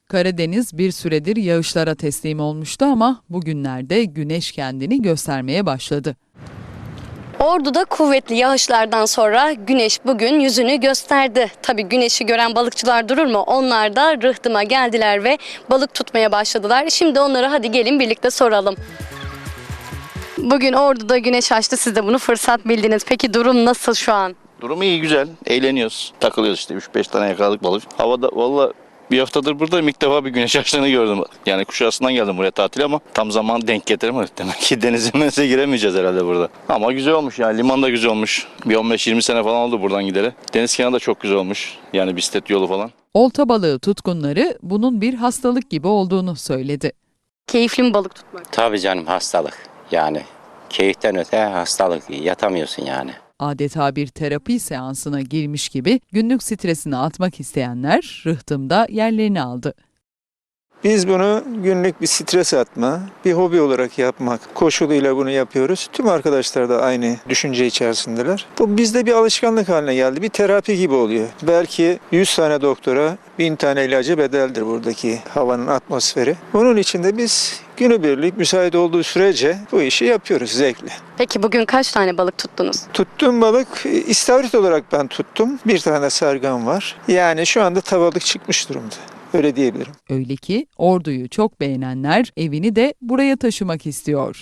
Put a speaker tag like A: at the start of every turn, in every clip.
A: Karadeniz bir süredir yağışlara teslim olmuştu ama bugünlerde güneş kendini göstermeye başladı.
B: Ordu'da kuvvetli yağışlardan sonra güneş bugün yüzünü gösterdi. Tabii güneşi gören balıkçılar durur mu? Onlar da rıhtıma geldiler ve balık tutmaya başladılar. Şimdi onlara hadi gelin birlikte soralım. Bugün Ordu'da güneş açtı. Siz de bunu fırsat bildiniz. Peki durum nasıl şu an?
C: Durum iyi, güzel. Eğleniyoruz. Takılıyoruz işte. 3-5 tane yakaladık balık. Havada valla bir haftadır buradayım. İlk defa bir güneş açtığını gördüm. Yani Kuşadası'ndan geldim buraya tatile ama tam zaman denk getiremedik. Demek ki denize giremeyeceğiz herhalde burada. Ama güzel olmuş yani. Liman da güzel olmuş. Bir 15-20 sene falan oldu buradan gideri. Deniz kenarı da çok güzel olmuş. Yani bisiklet yolu falan.
A: Olta balığı tutkunları bunun bir hastalık gibi olduğunu söyledi.
B: Keyifli mi balık tutmak?
D: Tabii canım, hastalık. Yani keyiften öte hastalık. Yatamıyorsun yani.
A: Adeta bir terapi seansına girmiş gibi günlük stresini atmak isteyenler rıhtımda yerlerini aldı.
E: Biz bunu günlük bir stres atma, bir hobi olarak yapmak koşuluyla bunu yapıyoruz. Tüm arkadaşlar da aynı düşünce içerisindeler. Bu bizde bir alışkanlık haline geldi. Bir terapi gibi oluyor. Belki 100 tane doktora 1000 tane ilaca bedeldir buradaki havanın atmosferi. Bunun için de biz günübirlik müsait olduğu sürece bu işi yapıyoruz zevkle.
B: Peki bugün kaç tane balık tuttunuz?
E: Tuttuğum balık istavrit olarak ben tuttum. Bir tane sargan var. Yani şu anda tavalık çıkmış durumda. Öyle diyebilirim.
A: Öyle ki Ordu'yu çok beğenenler evini de buraya taşımak istiyor.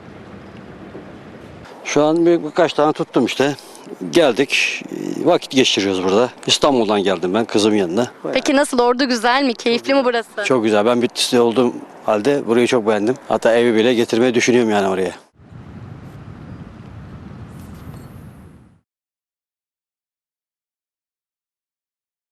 F: Şu an birkaç tane tuttum işte. Geldik, vakit geçiriyoruz burada. İstanbul'dan geldim ben kızımın yanına.
B: Peki nasıl, Ordu güzel mi? Keyifli mi burası?
F: Çok güzel. Ben Bitlis'te olduğum halde burayı çok beğendim. Hatta evi bile getirmeyi düşünüyorum yani oraya.